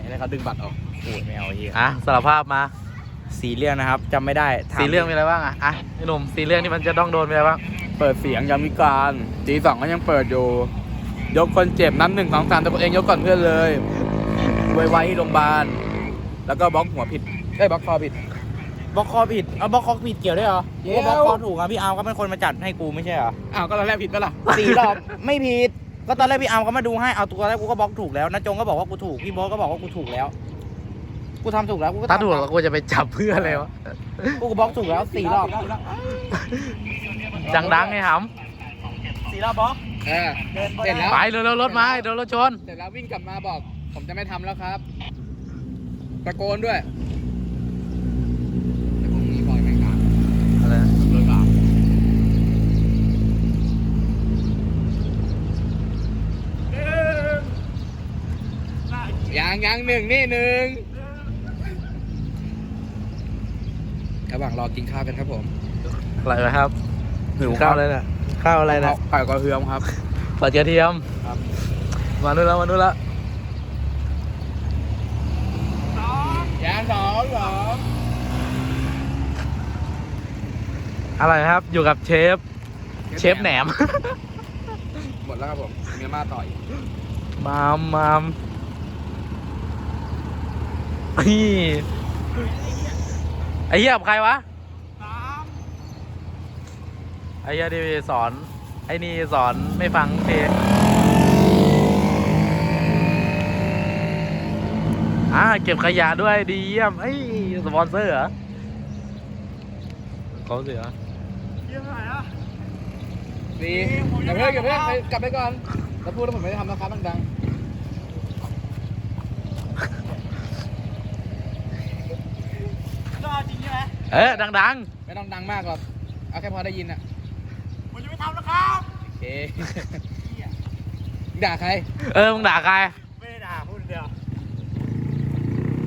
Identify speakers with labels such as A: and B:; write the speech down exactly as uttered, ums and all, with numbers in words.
A: ให้เขาดึงบัตรออกโอ้ยไม่เอาเฮีย
B: อ่ะสารภาพมา
A: สี่เรื่องนะครับจำไม่ได้ถาม
B: สีเรื่องมีอะไรบ้างอ่ะอ่ะพี่หนุ่มสีเรื่องที่มันจะต้องโดนมีอะไรบ้าง
A: เปิดเสียงยามวิการตีสองก็ยังเปิดอยู่ยกคนเจ็บน้ำหนึ่งสองสามตัวเองยกก่อนเพื่อนเลยไวไว้โรงพยาบาลแล้วก็บล็อกหัวผิดเอ้ยบล็อกคอผิด
C: บล็อกคอผิดเอาบล็อกคอผิดเกี่ยวด้วยเหรอ
A: เกี่ยว
C: บล็อกคอถูกอ่ะพี่อาร์มก็เป็นคนมาจัดให้กูไม่ใช่เหรอ
A: อ้าวก็ตอนแรกผิดปะล่ะ
C: สี่รอบไม่ผิดก็ตอนแรกพี่อาร์มก็มาดูให้เอาตัวแรกกูก็บล็อกถูกแล้วนะจงก็บอกว่ากูถูกพี่โบ๊ทก็บอกว่ากูถูกแล้วกูทำถูกแล้วกูก็
B: ถ้าถูก
C: ทำ
B: แล้วกูจะไปจับเพื่ออะไรวะ
C: กูก็บล็อกถูกแล้วสี่รอบ
B: จังดังไงห
C: สี่รอบบล็อก
A: เออเสร็จแล้ว
B: ำไปเร็วๆรถมาเดี๋ยวรถชน
A: เสร็จแล้ววิ่งกลับมาบอก ผมจะไม่ทำแล้วครับตะโกนด้วยแต่ผมมีบอยแม่งกา
B: อะไรนะ
A: รถกายังยังหนึ่งนี่หนึ่งระหว่างรอกินข้าวกันครับผม
B: อะไรนะครับ
A: หิว
B: ข้าวอะไรน่ะข้าวอะไรน่ะ
A: ไข่กระเทียมครับ
B: ปลาเจียวเทียม
A: ครับ
B: มานู่นแล้วมานู่นแล้ว
A: ยางสองสอง
B: อะไรนะครับอยู่กับเชฟเชฟแหนม
A: หมดแล้วครับผมเมียมาต่อย
B: มามมามนี่ไอ้เหี้ยกับใครวะไอ้เหี้ยที่สอนไอ้นี่สอนไม่ฟังทีอ่าเก็บขยะด้วยดีเยี่ยมไอ้ยสปอนเซอร์เหรอเขาเสีย
A: ดีอย่าเพิ่งอย่าเพิ่งไปกลับไปก่อนแล้วพูดแล้วผมไม่ได้ทำนะครับดัง
C: รอจริงใช่ไหม
B: เอ๊ะดัง
A: ๆไม่ต้องดังมากหรอกเอาแค่พอได้ยินอ่ะ
C: ผมจะไม่ทำแล้วครับ
A: โอเคด่าใคร
B: ๆ เออมึงด่าใคร